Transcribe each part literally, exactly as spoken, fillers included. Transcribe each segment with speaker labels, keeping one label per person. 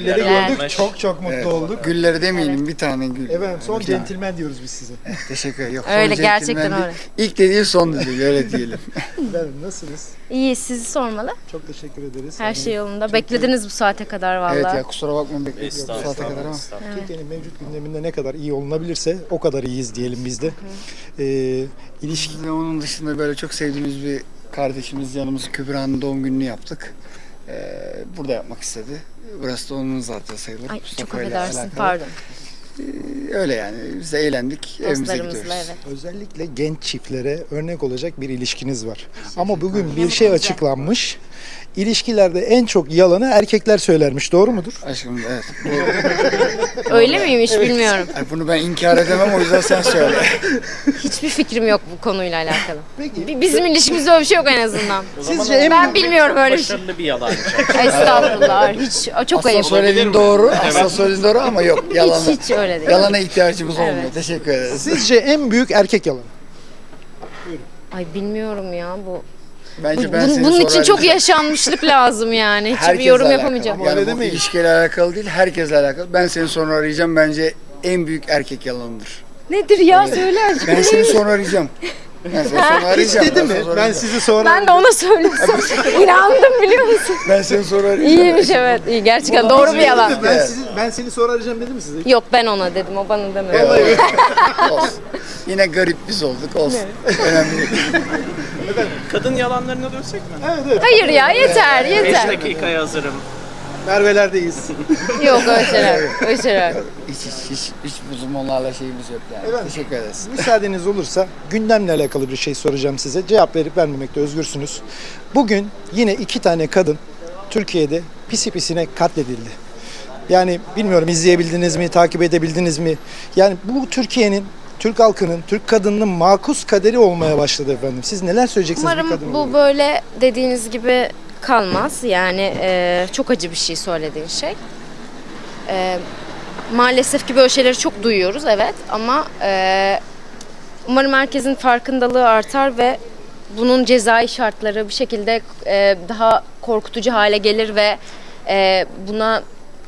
Speaker 1: gülleri
Speaker 2: Evet.
Speaker 1: gördük. Çok çok mutlu
Speaker 3: Evet.
Speaker 1: olduk.
Speaker 3: Gülleri demeyelim, bir tane gül.
Speaker 1: Efendim son
Speaker 3: Bir tane.
Speaker 1: centilmen diyoruz biz size.
Speaker 3: Teşekkür ederim. Yok,
Speaker 2: Öyle,
Speaker 3: son
Speaker 2: gerçekten
Speaker 3: centilmen
Speaker 2: öyle.
Speaker 3: değil. İlk dediği son dediği, öyle diyelim.
Speaker 1: Efendim nasılsınız?
Speaker 2: İyi, sizi sormalı.
Speaker 1: Çok teşekkür ederiz.
Speaker 2: Her
Speaker 1: Yani
Speaker 2: şey yolunda. Beklediniz bu saate kadar vallahi.
Speaker 3: Evet ya, kusura bakmayın, bekliyoruz bu
Speaker 4: Estağfurullah.
Speaker 3: saate kadar ama.
Speaker 4: Estağfurullah.
Speaker 1: Türkiye'nin mevcut gündeminde ne kadar iyi olunabilirse o kadar iyiyiz diyelim biz de. Ee, ilişki
Speaker 3: Biz de onun dışında böyle çok sevdiğimiz bir kardeşimiz, yanımız Kübra'nın doğum gününü yaptık. Ee, burada yapmak istedi. Burası da onun zaten sayılır.
Speaker 2: Ay çok
Speaker 3: Mustafa ile
Speaker 2: affedersin,
Speaker 3: alakalı.
Speaker 2: pardon.
Speaker 3: Ee, öyle yani, biz de eğlendik, evimize
Speaker 2: Dostlarımızla
Speaker 3: gidiyoruz.
Speaker 2: evet.
Speaker 1: özellikle genç çiftlere örnek olacak bir ilişkiniz var. Ama bugün bir şey açıklanmış. İlişkilerde en çok yalanı erkekler söylermiş. Doğru mudur?
Speaker 3: Aşkım evet. Bu,
Speaker 2: Öyle miymiş bilmiyorum.
Speaker 3: Ay, bunu ben inkar edemem, o yüzden sen söyle.
Speaker 2: Hiçbir fikrim yok bu konuyla alakalı.
Speaker 1: Peki.
Speaker 2: Bi- Bizim ilişkimizde öyle bir şey yok en azından.
Speaker 4: O zaman
Speaker 1: Sizce en
Speaker 2: Ben bilmiyorum öyle bir şey.
Speaker 4: başarılı bir yalancı.
Speaker 2: Estağfurullah. Hiç çok
Speaker 3: Aslında
Speaker 2: ayıp.
Speaker 3: söylediğin doğru, aslında söylediğin doğru ama yok, yalana.
Speaker 2: Hiç hiç öyle değil.
Speaker 3: Yalana ihtiyacımız olmuyor.
Speaker 2: Evet.
Speaker 3: Teşekkür ederiz.
Speaker 1: Sizce en büyük erkek yalanı?
Speaker 2: Ay bilmiyorum ya bu.
Speaker 3: Bence
Speaker 2: Bu-
Speaker 3: ben
Speaker 2: bunun
Speaker 3: seni
Speaker 2: bunun için
Speaker 3: sorarım.
Speaker 2: çok yaşanmışlık lazım yani. Hiçbir
Speaker 3: Herkesle
Speaker 2: yorum
Speaker 3: alakalı.
Speaker 2: yapamayacağım.
Speaker 1: Ama
Speaker 3: Yani
Speaker 1: öyle
Speaker 3: bu
Speaker 1: demeyin.
Speaker 3: ilişkiyle alakalı değil, herkesle alakalı. Ben seni sonra arayacağım, bence en büyük erkek yalanıdır.
Speaker 2: Nedir ya söyle azıcık.
Speaker 3: Ben seni sonra arayacağım. Ben seni sonra
Speaker 1: Hiç
Speaker 3: arayacağım.
Speaker 1: dedi
Speaker 3: Ben
Speaker 1: mi?
Speaker 3: seni sonra
Speaker 1: Ben
Speaker 3: arayacağım.
Speaker 1: sizi sonra...
Speaker 2: Ben de ona söylesem. İnandım biliyor musun?
Speaker 3: Ben seni sonra arayacağım.
Speaker 2: İyiymiş evet. İyi gerçekten doğru bir yalan.
Speaker 1: Ben, sizi, ben seni sonra arayacağım dedim mi size?
Speaker 2: Yok ben ona dedim o bana demedi.
Speaker 3: Olsun. Yine garip biz olduk, olsun. Önemli değil.
Speaker 4: Kadın yalanlarına dönsek mi?
Speaker 1: Evet evet.
Speaker 2: Hayır ya yeter
Speaker 4: beş
Speaker 2: yeter.
Speaker 4: dakikaya hazırım.
Speaker 1: Merve'lerdeyiz.
Speaker 2: Yok öyle şeyler. Öyle şeyler.
Speaker 3: Hiç, hiç, hiç, hiç bizim onlarla şeyimiz yok yani.
Speaker 1: Efendim?
Speaker 3: Teşekkür ederiz.
Speaker 1: Müsaadeniz olursa gündemle alakalı bir şey soracağım size. Cevap verip vermemekte özgürsünüz. Bugün yine iki tane kadın Türkiye'de pisi pisine katledildi. Yani bilmiyorum izleyebildiniz mi, takip edebildiniz mi? Yani bu Türkiye'nin, Türk halkının, Türk kadınının makus kaderi olmaya başladı efendim. Siz neler söyleyeceksiniz bir kadın
Speaker 2: Umarım bu
Speaker 1: olarak?
Speaker 2: böyle dediğiniz gibi kalmaz. Yani e, çok acı bir şey söylediğin şey. E, maalesef ki böyle şeyleri çok duyuyoruz evet ama e, umarım herkesin farkındalığı artar ve bunun cezai şartları bir şekilde e, daha korkutucu hale gelir ve e, buna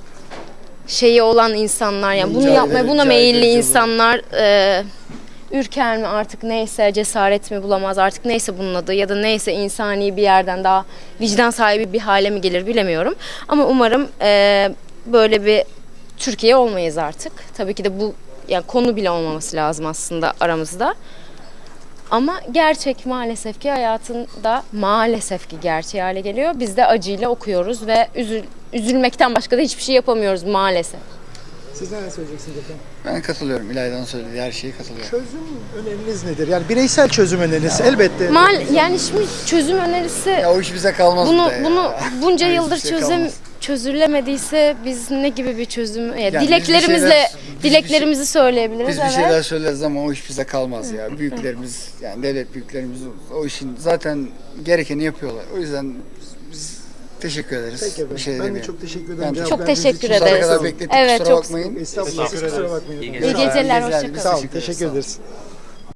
Speaker 2: şeyi olan insanlar yani bunu
Speaker 3: Cahil-
Speaker 2: yapmaya buna
Speaker 3: cahil
Speaker 2: meyilli
Speaker 3: edici
Speaker 2: insanlar e, ürker mi artık neyse cesaret mi bulamaz artık neyse bunun adı ya da neyse insani bir yerden daha vicdan sahibi bir hale mi gelir bilemiyorum. Ama umarım e, böyle bir Türkiye olmayız artık. Tabii ki de bu yani konu bile olmaması lazım aslında aramızda. Ama gerçek maalesef ki hayatında maalesef ki gerçeği hale geliyor. Biz de acıyla okuyoruz ve üzül, üzülmekten başka da hiçbir şey yapamıyoruz maalesef.
Speaker 1: Siz neler söyleyeceksiniz efendim?
Speaker 3: Ben katılıyorum. İlayda'nın söylediği her şeye katılıyorum.
Speaker 1: Çözüm öneriniz nedir? Yani bireysel çözüm öneriniz elbette.
Speaker 2: Mal yani şimdi çözüm önerisi
Speaker 3: Ya o iş bize kalmaz
Speaker 2: bunu
Speaker 3: bir de ya.
Speaker 2: bunu bunca
Speaker 3: Hiçbir
Speaker 2: yıldır
Speaker 3: şey
Speaker 2: çözüm
Speaker 3: kalmaz.
Speaker 2: çözülemediyse biz ne gibi bir çözüm ya
Speaker 3: Yani biz bir
Speaker 2: dileklerimizle
Speaker 3: şeyler- biz bir
Speaker 2: dileklerimizi söyleyebiliriz
Speaker 3: Biz bir
Speaker 2: evet.
Speaker 3: şeyler söyleriz ama o iş bize kalmaz ya. Büyüklerimiz, yani devlet büyüklerimiz o işin zaten gerekeni yapıyorlar. O yüzden biz teşekkür ederiz.
Speaker 1: Peki efendim.
Speaker 3: Bir şey
Speaker 1: ben de
Speaker 3: demeyelim.
Speaker 1: çok teşekkür ederim.
Speaker 3: Ben
Speaker 1: Cevap
Speaker 2: Çok
Speaker 1: verdiğiniz
Speaker 2: teşekkür
Speaker 1: için.
Speaker 3: Saate
Speaker 2: ederiz.
Speaker 3: kadar beklettik,
Speaker 2: Evet,
Speaker 3: kusura
Speaker 2: çok
Speaker 3: bakmayın.
Speaker 1: Estağfurullah siz kusura bakmayın.
Speaker 4: İyi
Speaker 2: İyi
Speaker 4: geceler.
Speaker 2: geceler
Speaker 3: Biz
Speaker 2: hoşçakalın.
Speaker 1: Sağ olun
Speaker 3: teşekkür ederiz.
Speaker 1: teşekkür ederiz.